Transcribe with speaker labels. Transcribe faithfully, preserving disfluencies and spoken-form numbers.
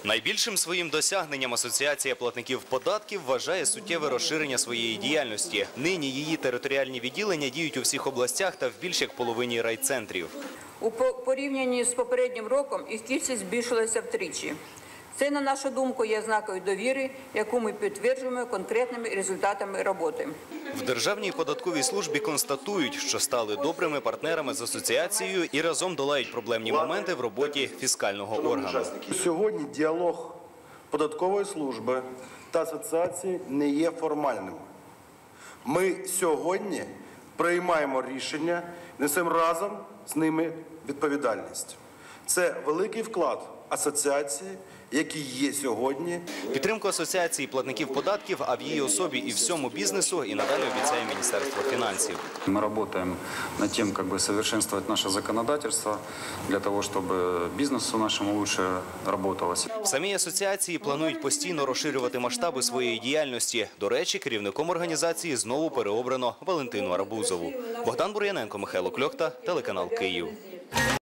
Speaker 1: Найбільшим своїм досягненням Асоціація платників податків вважає суттєве розширення своєї діяльності. Нині її територіальні відділення діють у всіх областях та в більш як половині райцентрів.
Speaker 2: У порівнянні з попереднім роком їх кількість збільшилася втричі. Це, на нашу думку, є знакою довіри, яку ми підтверджуємо конкретними результатами роботи.
Speaker 1: В Державній податковій службі констатують, що стали добрими партнерами з асоціацією і разом долають проблемні моменти в роботі фіскального органу.
Speaker 3: Сьогодні діалог податкової служби та асоціації не є формальним. Ми сьогодні приймаємо рішення, несемо разом з ними відповідальність. Це великий вклад асоціації, який є сьогодні.
Speaker 1: Підтримку асоціації платників податків, а в її особі і всьому бізнесу і надалі обіцяє Міністерство фінансів.
Speaker 4: Мы работаем над тем, как бы совершенствовать наше законодательство для того, чтобы бизнесу нашему лучше работалось.
Speaker 1: В самій асоціації планують постійно розширювати масштаби своєї діяльності. До речі, керівником організації знову переобрано Валентину Арбузову. Богдан Бур'яненко, Михайло Кльохта, телеканал Київ.